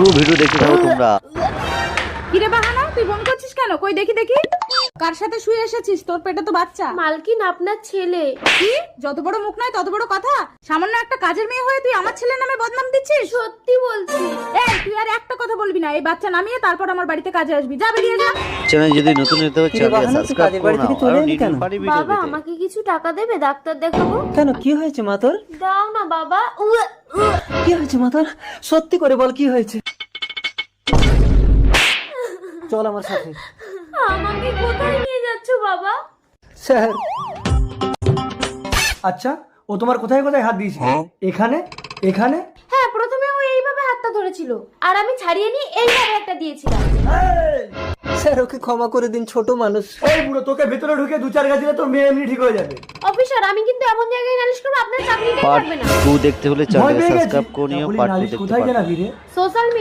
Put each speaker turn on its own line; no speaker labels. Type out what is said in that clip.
পুরো ভিডিও দেখতে থাকো তোমরা।
কিরে বাহানা, তুই ফোন করছিস কেন? কই দেখি দেখি, কার সাথে শুয়ে এসেছিস? তোর পেটে তো বাচ্চা।
মালকিন, আপনার ছেলে।
কি? যত বড় মুখ নয় তত বড় কথা। সামান্য একটা কাজের মেয়ে হয়ে তুই আমার ছেলের নামে বদনাম দিচ্ছিস?
সত্যি বলছি।
এই তুই আর একটা কথা বলবি না। এই বাচ্চা নামিয়ে তারপর আমার বাড়িতে কাজে আসবি। যা বেরিয়ে যা।
চ্যানেল যদি নতুন হতে হয় চ্যানেল সাবস্ক্রাইব করে নাও আর নিউজ পারি ভিডিও
বাবা,
পেতে।
আমাকে কিছু টাকা দেবে? ডাক্তার দেখাবো।
কেন, কি হয়েছে মা তোর?
দাও না বাবা।
কি হয়েছে মা তোর? সত্যি করে বল, কি হয়েছে? চল আমার সাথে।
আমাকে কোথায় নিয়ে যাচ্ছ বাবা?
স্যার,
আচ্ছা, ও তোমার কোথায় কোথায় হাত দিয়েছে? এখানে, এখানে?
হ্যাঁ, প্রথমে ও এইভাবে হাতটা ধরেছিল আর আমি ছাড়িয়ে নিয়ে এইভাবে একটা দিয়েছিলাম।
স্যার ওকে ক্ষমা করে দিন, ছোট মানুষ।
এই বুড়ো, তোকে ভেতরে ঢুকে দু চার গাছ দিলে তোর মেয়ে এমনি ঠিক হয়ে যাবে।
অফিসার, আমি কিন্তু এমন জায়গায় নালিশ করবো আপনার চাকরিটাই
পার্ট
থাকবে না।
2 দেখতে হলে
ভয়
চ্যানেল
পেয়ে গেছি।
সাবস্ক্রাইব করে নিও,
তাহলে
পার্ট 2
নালিশ
দেখতে
কোথায়
পারো।
জানাবি রে?
সোশ্যাল